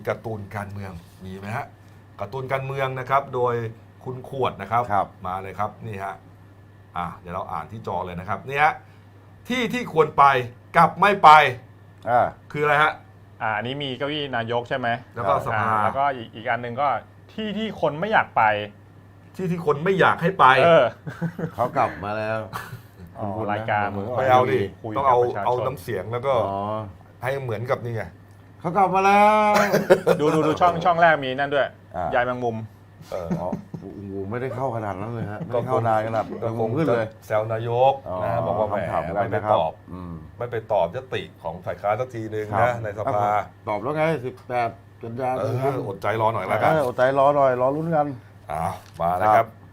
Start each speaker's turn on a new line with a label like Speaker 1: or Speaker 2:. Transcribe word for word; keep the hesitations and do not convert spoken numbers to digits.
Speaker 1: การ์ตูนการเมืองมีไหมฮะการ์ตูนการเมืองนะครับโดยคุณขวดนะครับมาเลยครับนี่ฮะอ่ะเดี๋ยวเราอ่านที่จอเลยนะครับนี่ฮะที่ที่ควรไปกับไม่ไป
Speaker 2: อ่า
Speaker 1: คืออะไรฮะ
Speaker 3: อ่าอันนี้มีเก้าอี้นายกใช่ไหม
Speaker 1: แล้วก็สภา
Speaker 3: แล้วก็อีกอีกอันหนึ่งก็ที่ที่คนไม่อยากไป
Speaker 1: ที่ที่คนไม่อยากให้ไป
Speaker 3: เออ
Speaker 2: เขากลับมาแล้ว
Speaker 3: รายการ
Speaker 1: ไม่เอาดิต้องเอาเอาน้ำเสียงแล้วก็ให้เหมือนกับนี่ไง
Speaker 2: เขากลับมาแล้ว
Speaker 3: ดูดูดูช่องช่องแรกมีนั่นด้วยยายแมงมุม
Speaker 2: เอออ๋อไม่ได้เข้าขนาดนั้นเลยฮะไม่เข้านานขนาดแมงมุมขึ้นเลย
Speaker 1: แซวนายกนะบอกว่าแหมไม่ไปตอบไม่ไปตอบยติของฝ่ายค้านสักทีนึงนะในสภา
Speaker 2: ตอบแล้วไงสิบแปดกันยายน
Speaker 1: อดใจรอหน่อยแล้วกัน
Speaker 2: อดใจรอหน่อยรอลุ้นกัน
Speaker 1: อ่ามาแล้วครับ